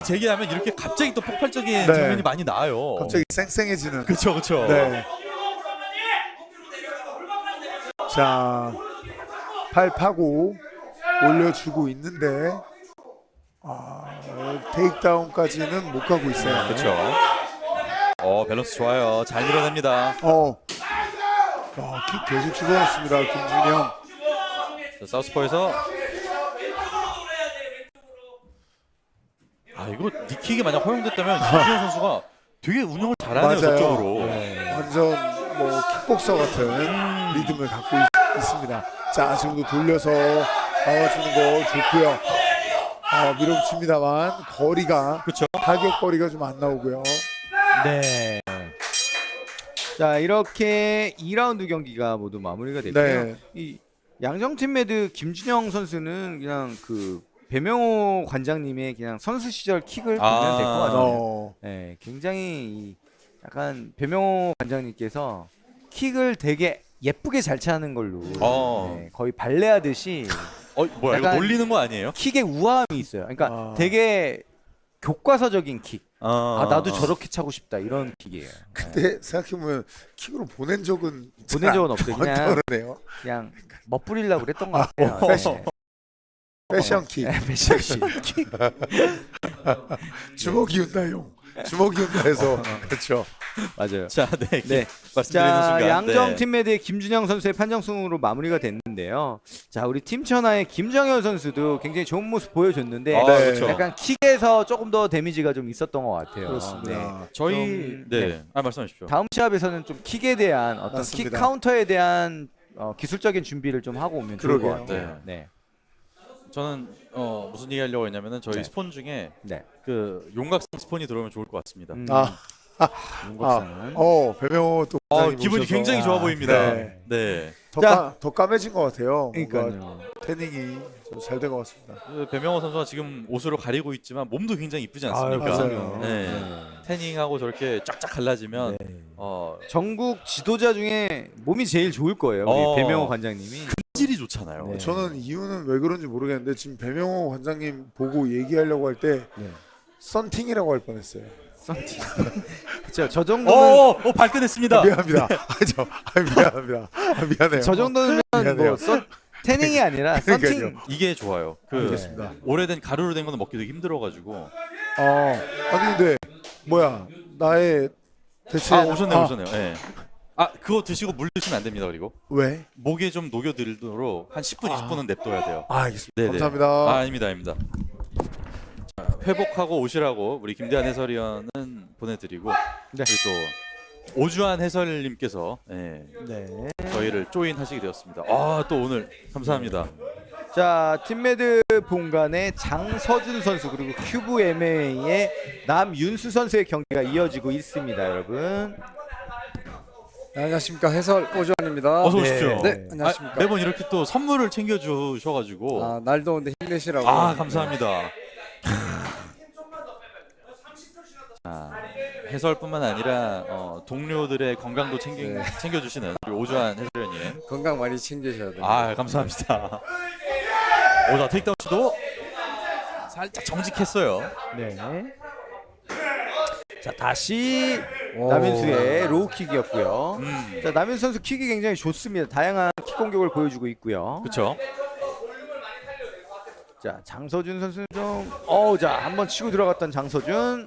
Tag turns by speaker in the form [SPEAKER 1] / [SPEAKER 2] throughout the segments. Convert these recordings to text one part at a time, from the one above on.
[SPEAKER 1] 재개하면 이렇게 갑자기 또 폭발적인
[SPEAKER 2] 네.
[SPEAKER 1] 장면이 많이 나와요.
[SPEAKER 2] 갑자기 쌩쌩해지는.
[SPEAKER 1] 그렇죠, 그렇죠.
[SPEAKER 2] 네. 자, 팔 파고 올려주고 있는데 테이크다운까지는 못 가고 있어요.
[SPEAKER 1] 그렇죠. 밸런스 좋아요. 잘 밀어냅니다.
[SPEAKER 2] 킥 계속 집어넣습니다. 김준영.
[SPEAKER 1] 자, 사우스포에서 이거 니킥이 만약 허용됐다면 김준영 선수가 되게 운영을 잘하네요.
[SPEAKER 2] 맞아요.
[SPEAKER 1] 저쪽으로.
[SPEAKER 2] 완전 뭐 킥복서 같은 리듬을 갖고 있습니다. 자, 지금도 돌려서 막아주는 거 좋고요. 밀어붙입니다만 거리가,
[SPEAKER 1] 그렇죠.
[SPEAKER 2] 타격 거리가 좀 안 나오고요.
[SPEAKER 3] 네. 자, 이렇게 2라운드 경기가 모두 마무리가 됐고요.
[SPEAKER 2] 네.
[SPEAKER 3] 이 양정팀 매드 김준영 선수는 그냥 그 배명호 관장님의 그냥 선수 시절 킥을 보면 될 것 같아요. 네, 굉장히 약간 배명호 관장님께서 킥을 되게 예쁘게 잘 차는 걸로 네, 거의 발레하듯이
[SPEAKER 1] 뭐야 이거 놀리는 거 아니에요?
[SPEAKER 3] 킥의 우아함이 있어요. 그러니까 되게 교과서적인 킥. 나도 저렇게 차고 싶다 이런 킥이에요.
[SPEAKER 2] 근데 생각해보면 킥으로 보낸 적은
[SPEAKER 3] 없어요. 그냥 멋부리려고 그랬던 것 같아요.
[SPEAKER 2] 패션 킥.
[SPEAKER 3] 패션 킥.
[SPEAKER 2] 주먹이 운다용. 주먹이 운다 해서 그렇죠.
[SPEAKER 3] 맞아요.
[SPEAKER 1] 자, 네.
[SPEAKER 3] 자, 양정 팀 매드의 김준영 선수의 판정승으로 마무리가 됐는데요. 자, 우리 팀천하의 김정현 선수도 굉장히 좋은 모습 보여줬는데
[SPEAKER 1] 그렇죠.
[SPEAKER 3] 약간 킥에서 조금 더 데미지가 좀 있었던 것 같아요.
[SPEAKER 2] 그렇습니다.
[SPEAKER 1] 저희 말씀하십시오.
[SPEAKER 3] 다음 시합에서는 좀 킥에 대한 어떤
[SPEAKER 2] 맞습니다.
[SPEAKER 3] 킥 카운터에 대한 기술적인 준비를 좀 하고 오면 좋을 것
[SPEAKER 2] 그러게요.
[SPEAKER 3] 같아요. 네.
[SPEAKER 1] 저는 무슨 얘기 하려고 했냐면은 저희 스폰 중에
[SPEAKER 3] 네.
[SPEAKER 1] 그 용각성 스폰이 들어오면 좋을 것 같습니다.
[SPEAKER 2] 배명호 또
[SPEAKER 1] 기분이 굉장히 좋아 보입니다.
[SPEAKER 2] 네. 더 까매진 것 같아요.
[SPEAKER 3] 그러니까요.
[SPEAKER 2] 태닝이 잘 된 것 같습니다.
[SPEAKER 1] 배명호 선수가 지금 옷으로 가리고 있지만 몸도 굉장히 이쁘지 않습니까?
[SPEAKER 2] 맞아요.
[SPEAKER 1] 네. 태닝하고 저렇게 쫙쫙 갈라지면
[SPEAKER 3] 전국 지도자 중에 몸이 제일 좋을 거예요. 우리 배명호 관장님이.
[SPEAKER 1] 품질이 좋잖아요.
[SPEAKER 3] 네.
[SPEAKER 2] 저는 이유는 왜 그런지 모르겠는데 지금 배명호 관장님 보고 얘기하려고 할 때 썬팅이라고 할 뻔했어요.
[SPEAKER 3] 썬팅. 그렇죠. 저 정도는
[SPEAKER 1] 발끈했습니다.
[SPEAKER 2] 미안합니다. 미안합니다. 미안해요.
[SPEAKER 3] 저 정도면
[SPEAKER 2] 미안해요.
[SPEAKER 3] 태닝이 아니라 썬팅.
[SPEAKER 2] 그러니까요.
[SPEAKER 1] 이게 좋아요.
[SPEAKER 2] 알겠습니다.
[SPEAKER 1] 오래된 가루로 된 거는 먹기도 힘들어가지고.
[SPEAKER 2] 아니 근데 뭐야 나의 대체
[SPEAKER 1] 오셨네요. 네. 그거 드시고 물 드시면 안 됩니다. 그리고
[SPEAKER 2] 왜?
[SPEAKER 1] 목에 좀 녹여들도록 한 10분, 20분은 냅둬야 돼요.
[SPEAKER 2] 알겠습니다.
[SPEAKER 1] 네네.
[SPEAKER 2] 감사합니다.
[SPEAKER 1] 아닙니다. 자, 회복하고 오시라고 우리 김대한 해설위원은 보내드리고 그리고 또 오주환 해설님께서 저희를 조인하시게 되었습니다. 또 오늘 감사합니다.
[SPEAKER 3] 자, 팀매드 본관의 장서준 선수 그리고 큐브 MMA의 남윤수 선수의 경기가 이어지고 있습니다, 여러분.
[SPEAKER 4] 안녕하십니까, 해설 오주환입니다.
[SPEAKER 1] 어서 오십시오.
[SPEAKER 4] 네, 안녕하십니까.
[SPEAKER 1] 매번 이렇게 또 선물을 챙겨주셔가지고
[SPEAKER 4] 날 더운데 힘내시라고.
[SPEAKER 1] 감사합니다. 해설뿐만 아니라 동료들의 건강도 챙겨주시는 우리 오주환 해설위원님.
[SPEAKER 4] 건강 많이 챙기셔야 돼요.
[SPEAKER 1] 감사합니다. 자, 테이크다운 시도 살짝 정직했어요.
[SPEAKER 3] 네. 자, 다시 남윤수의 로우킥이었고요. 자, 남윤수 선수 킥이 굉장히 좋습니다. 다양한 킥 공격을 보여주고 있고요.
[SPEAKER 1] 그렇죠.
[SPEAKER 3] 자, 장서준 선수는 좀 자, 한번 치고 들어갔던 장서준.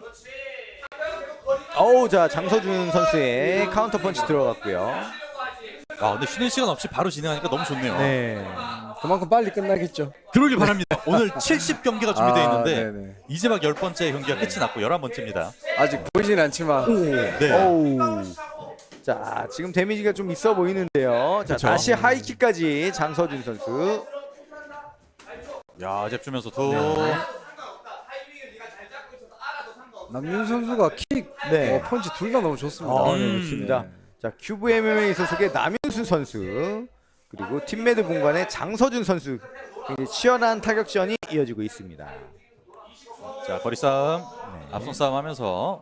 [SPEAKER 3] 자, 장서준 선수의 카운터 펀치 들어갔고요.
[SPEAKER 1] 근데 쉬는 시간 없이 바로 진행하니까 너무 좋네요.
[SPEAKER 3] 네.
[SPEAKER 4] 그만큼 빨리 끝나겠죠.
[SPEAKER 1] 그러길 바랍니다. 오늘 70경기가 준비되어 있는데
[SPEAKER 4] 네네.
[SPEAKER 1] 이제 막 10번째 경기가 끝이 났고 11번째입니다.
[SPEAKER 4] 아직 보이진 않지만.
[SPEAKER 3] 자, 지금 데미지가 좀 있어 보이는데요. 자, 다시 하이킥까지 장서준 선수.
[SPEAKER 1] 잽 주면서
[SPEAKER 4] 남윤 선수가 킥, 펀치 둘 다 너무 좋습니다.
[SPEAKER 3] 좋습니다. 자, 큐브 MMA 소속의 남윤수 선수 그리고 팀매드 본관의 장서준 선수 굉장히 치열한 타격전이 이어지고 있습니다.
[SPEAKER 1] 자, 거리 싸움, 앞선 싸움 하면서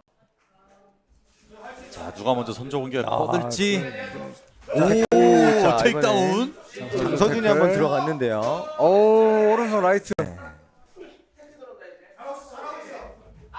[SPEAKER 1] 자, 누가 먼저 선조 공격을 뻗을지.
[SPEAKER 3] 자,
[SPEAKER 1] 테이크다운.
[SPEAKER 3] 장서준이 한번 들어갔는데요.
[SPEAKER 4] 오른손 라이트.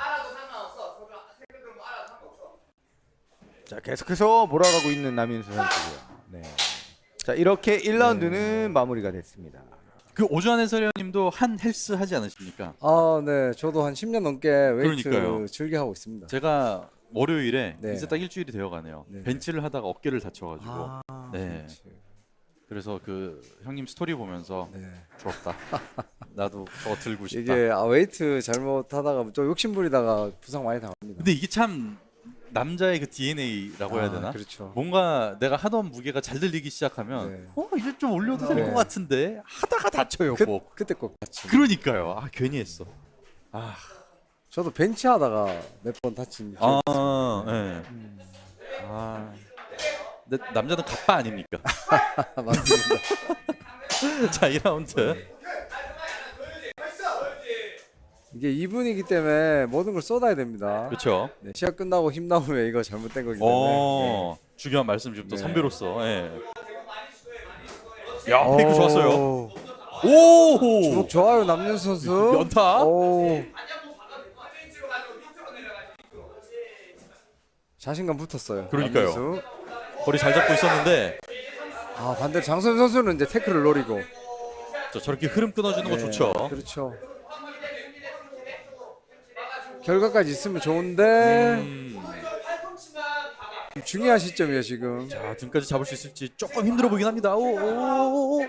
[SPEAKER 3] 자, 계속해서 몰아가고 있는 남윤수 선수고요. 네. 자, 이렇게 1라운드는 마무리가 됐습니다.
[SPEAKER 1] 그 오주환 해설위원님도 한 헬스 하지 않으십니까?
[SPEAKER 4] 네. 저도 한 10년 넘게 웨이트
[SPEAKER 1] 그러니까요.
[SPEAKER 4] 즐겨 하고 있습니다.
[SPEAKER 1] 제가 월요일에
[SPEAKER 4] 네.
[SPEAKER 1] 이제 딱 일주일이 되어가네요.
[SPEAKER 4] 네.
[SPEAKER 1] 벤치를 하다가 어깨를 다쳐가지고 네.
[SPEAKER 4] 그렇지.
[SPEAKER 1] 그래서 그 형님 스토리 보면서
[SPEAKER 4] 네.
[SPEAKER 1] 부럽다. 나도 저거 들고 싶다.
[SPEAKER 4] 이게 웨이트 잘못하다가 좀 욕심부리다가 부상 많이 당합니다.
[SPEAKER 1] 근데 이게 참 남자의 그 DNA라고 해야 되나?
[SPEAKER 4] 그렇죠.
[SPEAKER 1] 뭔가 내가 하던 무게가 잘 들리기 시작하면
[SPEAKER 4] 네.
[SPEAKER 1] 이제 좀 올려도 될 것
[SPEAKER 4] 네.
[SPEAKER 1] 같은데 하다가 다쳐요 꼭.
[SPEAKER 4] 그때 꼭 다치.
[SPEAKER 1] 그러니까요. 괜히 했어.
[SPEAKER 4] 저도 벤치 하다가 몇 번 다친.
[SPEAKER 1] 네. 근데 남자는 갑바 아닙니까?
[SPEAKER 4] 맞습니다.
[SPEAKER 1] 자, 2라운드.
[SPEAKER 4] 이게 2분이기 때문에 모든 걸 쏟아야 됩니다.
[SPEAKER 1] 그렇죠.
[SPEAKER 4] 네, 시합 끝나고 힘 나오면 이거 잘못된 거기 때문에.
[SPEAKER 1] 중요한 말씀 좀 또
[SPEAKER 4] 네.
[SPEAKER 1] 선배로서. 예. 야, 페이크 좋았어요.
[SPEAKER 4] 주먹
[SPEAKER 1] 오!
[SPEAKER 4] 좋아요 남윤수 선수.
[SPEAKER 1] 연타.
[SPEAKER 4] 오. 자신감 붙었어요.
[SPEAKER 1] 그러니까요.
[SPEAKER 4] 남윤수.
[SPEAKER 1] 거리 잘 잡고 있었는데
[SPEAKER 4] 반대로 장선 선수는 이제 태클을 노리고.
[SPEAKER 1] 저렇게 흐름 끊어주는 거
[SPEAKER 4] 네,
[SPEAKER 1] 좋죠.
[SPEAKER 4] 그렇죠. 결과까지 있으면 좋은데 중요한 시점이에요 지금.
[SPEAKER 1] 자, 등까지 잡을 수 있을지 조금 힘들어 보이긴 합니다. 오.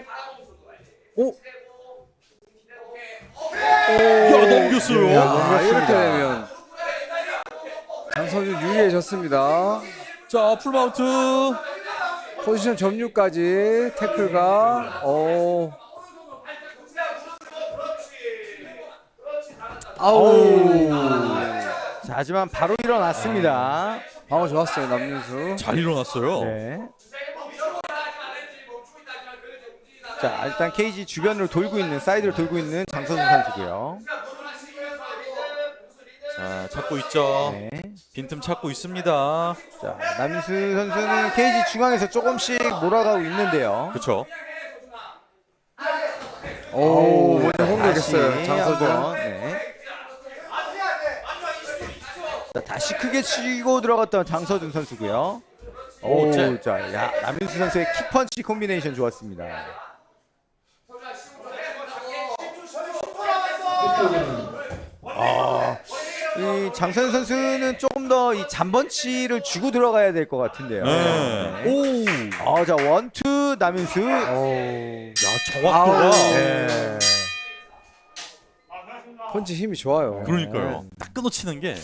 [SPEAKER 1] 야, 넘겼어요.
[SPEAKER 4] 이렇게 되면 장선주 유리해졌습니다.
[SPEAKER 1] 자, 풀마운트.
[SPEAKER 4] 포지션 점유까지 태클가.
[SPEAKER 3] 자, 하지만 바로 일어났습니다.
[SPEAKER 4] 방어 좋았어요 남윤수.
[SPEAKER 1] 잘 일어났어요.
[SPEAKER 3] 네. 자, 일단 케이지 주변으로 돌고 있는 사이드로 돌고 있는 장선수 선수고요.
[SPEAKER 1] 자, 찾고 있죠.
[SPEAKER 3] 네.
[SPEAKER 1] 빈틈 찾고 있습니다.
[SPEAKER 3] 자, 남윤수 선수는 케이지 중앙에서 조금씩 몰아가고 있는데요.
[SPEAKER 1] 그렇죠.
[SPEAKER 4] 먼저 공격했어요
[SPEAKER 3] 다시
[SPEAKER 4] 장선주.
[SPEAKER 3] 한번, 네. 자, 다시 크게 치고 들어갔던 장서준 선수고요. 자, 남윤수 선수의 킥펀치 콤비네이션 좋았습니다. 이 장선 선수는 조금 더 이 잔번치를 주고 들어가야 될 것 같은데요.
[SPEAKER 1] 네.
[SPEAKER 3] 자, 원투 남윤수.
[SPEAKER 1] 야, 정확도가.
[SPEAKER 3] 네.
[SPEAKER 4] 펀치 힘이 좋아요.
[SPEAKER 1] 그러니까요. 딱 끊어치는 게.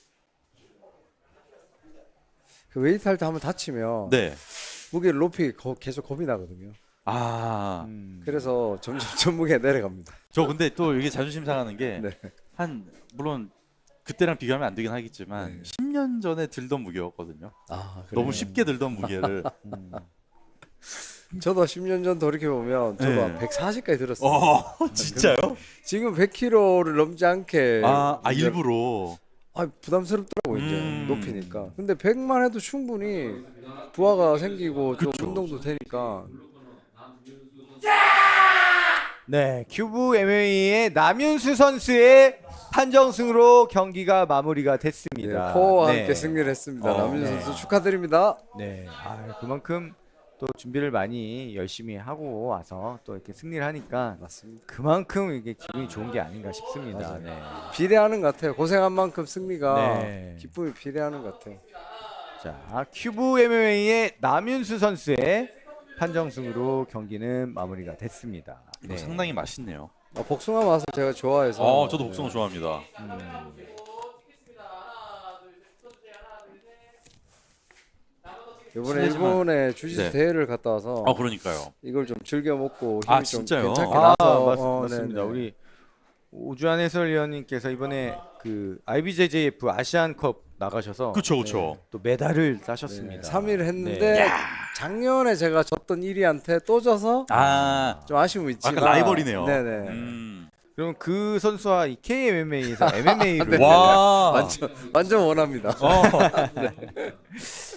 [SPEAKER 4] 그 웨이트 할 때 한번 다치면
[SPEAKER 1] 네.
[SPEAKER 4] 무게를 높이 계속 겁이 나거든요. 그래서 점점 무게가 내려갑니다.
[SPEAKER 1] 저 근데 또 이게 자존심 상하는 게
[SPEAKER 4] 네.
[SPEAKER 1] 물론 그때랑 비교하면 안 되긴 하겠지만 10년 전에 들던 무게였거든요. 너무 쉽게 들던 무게를.
[SPEAKER 4] 저도 10년 전 돌이켜 보면 저도
[SPEAKER 1] 네.
[SPEAKER 4] 한 140까지 들었어요.
[SPEAKER 1] 진짜요?
[SPEAKER 4] 지금 100kg를 넘지 않게 이제
[SPEAKER 1] 일부러.
[SPEAKER 4] 부담스럽더라고 이제 높이니까. 근데 100만 해도 충분히 부하가 생기고 좀
[SPEAKER 1] 그쵸.
[SPEAKER 4] 운동도 되니까.
[SPEAKER 3] 네, 큐브 MMA의 남윤수 선수의 판정승으로 경기가 마무리가 됐습니다.
[SPEAKER 4] 포와
[SPEAKER 3] 네.
[SPEAKER 4] 함께 승리를 했습니다. 남윤수
[SPEAKER 3] 네.
[SPEAKER 4] 선수 축하드립니다.
[SPEAKER 3] 네, 그만큼 또 준비를 많이 열심히 하고 와서 또 이렇게 승리를 하니까
[SPEAKER 4] 맞습니다.
[SPEAKER 3] 그만큼 이게 기분이 좋은 게 아닌가 싶습니다. 네.
[SPEAKER 4] 비례하는 것 같아요. 고생한 만큼 승리가
[SPEAKER 3] 네.
[SPEAKER 4] 기쁨이 비례하는 것 같아요.
[SPEAKER 3] 자, 큐브 MMA의 남윤수 선수의 판정승으로 경기는 마무리가 됐습니다.
[SPEAKER 1] 이거 상당히 맛있네요.
[SPEAKER 4] 복숭아 맛을 제가 좋아해서.
[SPEAKER 1] 저도 복숭아 좋아합니다.
[SPEAKER 4] 이번에 일본에 주짓수 대회를 갔다 와서
[SPEAKER 1] 그러니까요.
[SPEAKER 4] 이걸 좀 즐겨 먹고 힘이 좀
[SPEAKER 1] 진짜요?
[SPEAKER 4] 괜찮게 나서
[SPEAKER 3] 맞습니다.
[SPEAKER 4] 네네.
[SPEAKER 3] 우리 오주환 해설위원님께서 이번에 그 IBJJF 아시안컵 나가셔서
[SPEAKER 1] 그렇죠.
[SPEAKER 3] 또 메달을 따셨습니다.
[SPEAKER 4] 3위를 했는데 작년에 제가 졌던 1위한테 또 져서 좀 아쉬움이 있지만
[SPEAKER 1] 약간 라이벌이네요.
[SPEAKER 4] 네네.
[SPEAKER 3] 그럼 그 선수와 이 KMMA에서 MMA를
[SPEAKER 1] 와.
[SPEAKER 4] 완전 원합니다.